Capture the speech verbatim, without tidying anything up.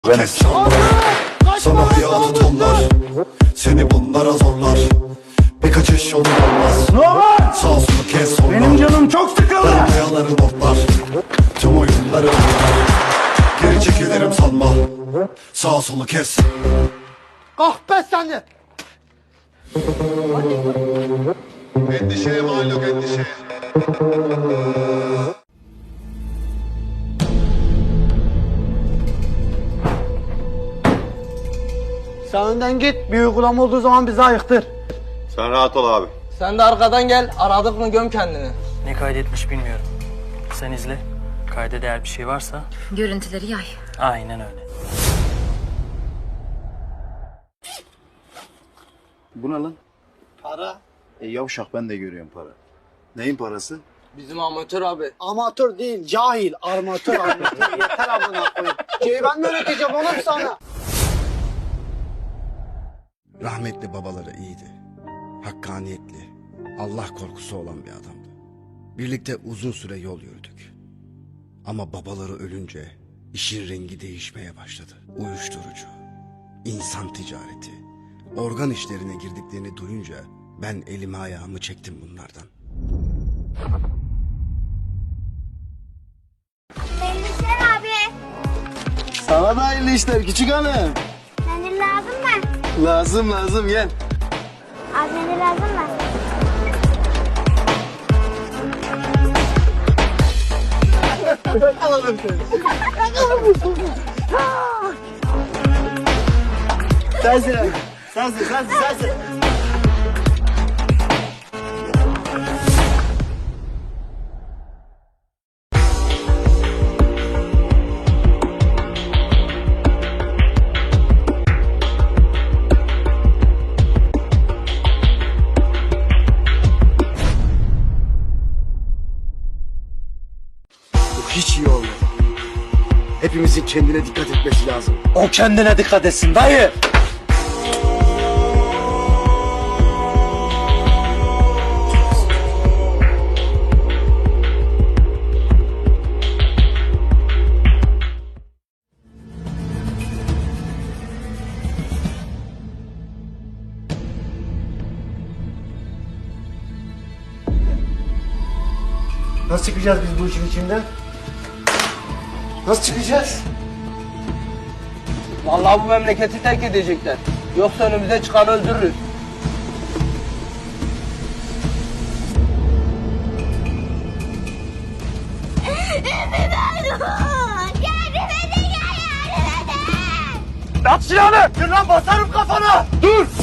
Kes sana hayatı tonlar, seni bunlara zorlar. Bir kaçış yolun olmaz. Normal. Sağ solu kes sonra. Benim canım çok sıkıldı. Kayaları notlar, tüm oyunları oynar. Geri çekilirim sanma. Sağ solu kes. Kalk be seni. Endişeye mal yok endişeye. Sen önden git. Bir uygulama olduğu zaman bizi ayıktır. Sen rahat ol abi. Sen de arkadan gel, aradık mı göm kendini. Ne kaydetmiş bilmiyorum. Sen izle. Kayda değer bir şey varsa Görüntüleri yay. aynen öyle. Bu ne lan? Para. E yavşak ben de görüyorum para. Neyin parası? Bizim amatör abi. Amatör değil, cahil. Armatör, armatör. Yeter amına koyayım. Şeyi ben mi öğreteceğim oğlum sana? Rahmetli babaları iyiydi. Hakkaniyetli, Allah korkusu olan bir adamdı. Birlikte uzun süre yol yürüdük. Ama babaları ölünce işin rengi değişmeye başladı. Uyuşturucu, insan ticareti, organ işlerine girdiklerini duyunca ben elimi ayağımı çektim bunlardan. Endişer abi. Sana da hayırlı işler küçük hanım. Senin lazım mı? Lazım lazım gel. Abi senin lazım mı? Alalım seni. Sensin abi. Sensin sensin sensin. Bu hiç iyi olmadı. Hepimizin kendine dikkat etmesi lazım. O kendine dikkat etsin dayı. Nasıl çıkacağız biz bu işin içinden? Nasıl çıkacağız? Vallahi bu memleketi terk edecekler. Yoksa önümüze çıkan öldürürüz. Yardım edin ya, yardım edin. At silahını! Dur lan basarım kafana! Dur!